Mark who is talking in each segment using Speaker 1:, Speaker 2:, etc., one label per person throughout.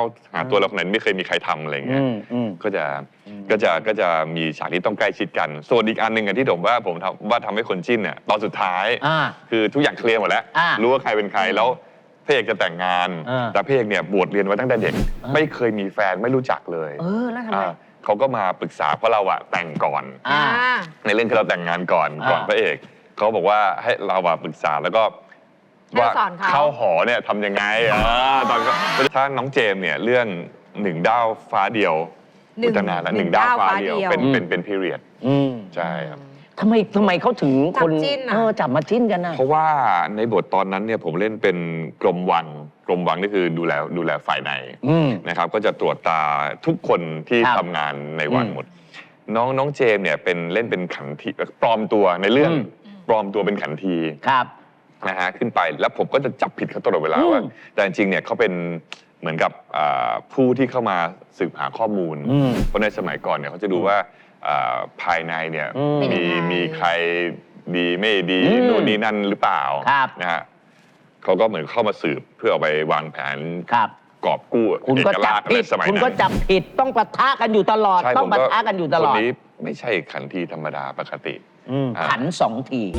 Speaker 1: หาตัวเราคนไหนไม่เคยมีใครทำอะไรเงี้ยก็จะมีฉากที่ต้องใกล้ชิดกันส่วนอีกอันหนึ่งที่ผมทำให้คนจิ้นเนี่ยตอนสุดท้ายคือทุกอย่างเคลียร์หมดแล้วรู้ว่าใครเป็นใครแล้วพระเอกจะแต่งงานแต่พระเอกเนี่ยบวชเรียนไว้ตั้งแต่เด็กไม่เคยมีแฟนไม่รู้จักเลย
Speaker 2: แล้วทำไม
Speaker 1: เขาก็มาปรึกษาเพราะเราแต่งก่อนในเรื่องที่เราแต่งงานก่อนพระเอกเขาบอกว่าให้เราปรึกษาแล้วก็ว่าเข้าหอเนี่ยทำยังไงตอนถ้าน้องเจมเนี่ยเรื่องหนึ่งดาวฟ้าเดียวตั้งนานแล้วหนึ่งดาวฟ้าเดียวเป็นพีเรียดใช่ครับ
Speaker 2: ทำไมเขาถึงคนจับมาจิ้นกันนะ
Speaker 1: เพราะว่าในบทตอนนั้นเนี่ยผมเล่นเป็นกรมวังนี่คือดูแลฝ่ายในนะครับก็จะตรวจตาทุกคนที่ทำงานในวังหมดน้องเจมเนี่ยเล่นเป็นขันทีปลอมตัวในเรื่องปลอมตัวเป็นขันทีนะฮะขึ้นไปแล้วผมก็จะจับผิดเขาตลอดเวลาว่าแต่จริงๆเนี่ยเขาเป็นเหมือนกับผู้ที่เข้ามาสืบหาข้อมูลเพราะในสมัยก่อนเนี่ยเขาจะดูว่าภายในเนี่ยมีใครดีไม่ดีโน่นนี่นั่นหรือเปล่านะฮะเขาก็เหมือนเข้ามาสืบเพื่อเอาไปวางแผนกอบกู้
Speaker 2: เอกราชในสมัยนั้นคุณก็จับผิดต้องปะทะกันอยู่ตลอดต้องปะทะกันอยู่ตลอด
Speaker 1: คนนี้ไม่ใช่ขันทีธรรมดาปกติ
Speaker 2: ขัน2 ที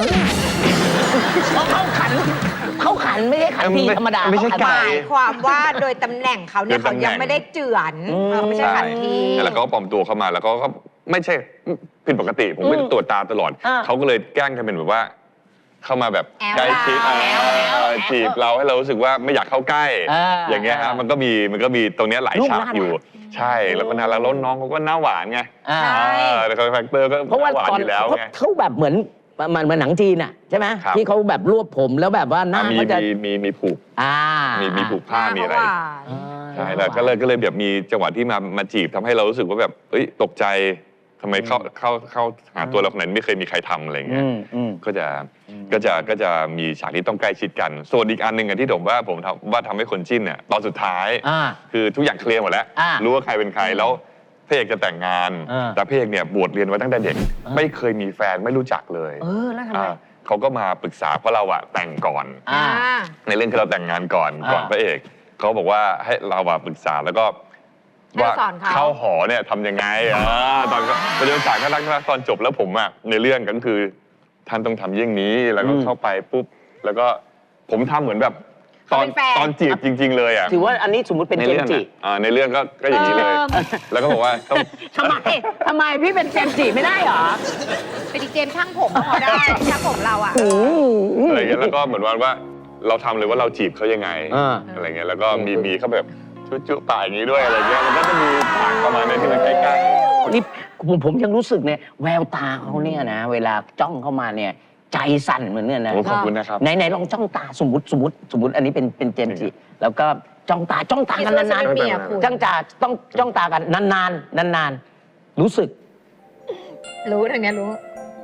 Speaker 2: เขาขันไม่ใช่ขันทีธรรมดา
Speaker 1: ไม่ใช่
Speaker 3: หมายความว่าโดยตำแหน่งเขาเนี่ยเขายังไม่ได้เจือนไม่ใช่ขันที
Speaker 1: แล้วก็ปลอมตัวเข้ามาแล้วก็ไม่ใช่ผิดปกติผมไม่ได้ตรวจตาตลอดเขาก็เลยแกล้งกันเป็นแบบว่าเข้ามาแบบใกล้ชิดจีบเราให้เรารู้สึกว่าไม่อยากเข้าใกล้อย่างเงี้ยฮะมันก็มีตรงนี้หลายฉากอยู่ใช่แล้วก็น่ารักแล้วน้องเขาก็หน้าหวานไงแล้วคาแรคเตอร์ก็หวานอยู่แล้วไง
Speaker 2: เขาแบบเหมือนหนังจีนอ่ะใช่ไหมที่เขาแบบรวบผมแล้วแบบว่าหน้าก็จะ
Speaker 1: มีผูกมีผูกผ้ามีอะไรใช่แล้วก็เลยแบบมีจังหวะที่มาจีบทำให้เรารู้สึกว่าแบบตกใจทำไมเข้าหาตัวเราคนไหนไม่เคยมีใครทำอะไรเงี้ยก็จะมีฉากที่ต้องใกล้ชิดกันส่วนอีกอันหนึ่งที่ผมทำให้คนจิ้นเนี่ยตอนสุดท้ายคือทุกอย่างเคลียร์หมดแล้วรู้ว่าใครเป็นใครแล้วพระเอกจะแต่งงานแต่พระเอกเนี่ยบวชเรียนไว้ตั้งแต่เด็กไม่เคยมีแฟนไม่รู้จักเลย
Speaker 2: แล้วทำไม
Speaker 1: เขาก็มาปรึกษาเพราะเราแต่งก่อนในเรื่องที่เราแต่งงานก่อนพระเอกเขาบอกว่าให้เราปรึกษาแล้วก็ว่าเข้าหอเนี่ยทำยังไงตอนประเด็นฉากน่ารักตอนจบแล้วผมในเรื่องก็คือท่านต้องทำเยี่ยงนี้แล้วก็เข้าไปปุ๊บแล้วก็ผมทำเหมือนแบบตอนจีบจริงๆเลย
Speaker 2: ถือว่าอันนี้สมมติเป็นเจมจี
Speaker 1: ในเรื่องก็อย่างนี้เลยแล้วก็บอกว่า
Speaker 2: ทำไมพี่เป็นเจมจีไม่ได้หรอ
Speaker 3: เป็นเจมช่างผมพอได้ช่างผมเรา
Speaker 1: อะไรเงี้ยแล้วก็เหมือนว่าเราทำเลยว่าเราจีบเขายังไงอะไรเงี้ยแล้วก็มีเขาแบบจุ๊ป่าอย่างนี้ด้วยอะไรเงี้ยมันก็จะมีฉากประมาณนี้ที่มันใกล้
Speaker 2: ๆนี่ผมยังรู้สึกเนี่ยแววตาเขาเนี่ยนะเวลาจ้องเข้ามาเนี่ยใจสั่นเหมือนเนี่ยนะ
Speaker 1: ขอบคุณนะครับ
Speaker 2: ไหนลองจ้องตาสมมติอันนี้เป็นเจมส์จิแล้วก็จ้องตากันนานๆจ้องตากันนานรู้สึก
Speaker 3: รู้ทางนี้รู้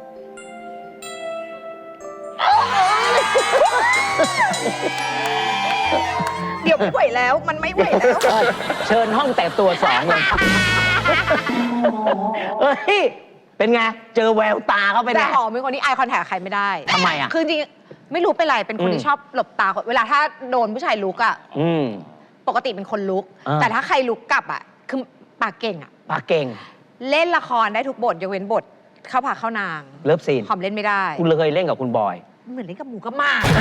Speaker 3: เดี๋ยวไม่ไหวแล้วมันไม่ไหวแล้ว
Speaker 2: เชิญห้องแต่ตัว2เลยเป็นไงเจอแววตาเขาเป็นไง
Speaker 3: แต่หอมเป็นคนที่ไอคอนแทคใครไม่ได้
Speaker 2: ทำไม
Speaker 3: คือจริงไม่รู้เป็นไรเป็นคนที่ชอบหลบตาเวลาถ้าโดนผู้ชายลุกปกติเป็นคนลุกแต่ถ้าใครลุกกลับคือปากเก่ง
Speaker 2: ปากเก่ง
Speaker 3: เล่นละครได้ทุกบทยกเว้นบทเข้าผาเข้านาง
Speaker 2: เลิฟซีน
Speaker 3: หอมเล่นไม่ได้
Speaker 2: คุณเลยเล่นกับคุณบอย
Speaker 3: เหมือนเล่นกับหมูกับหมา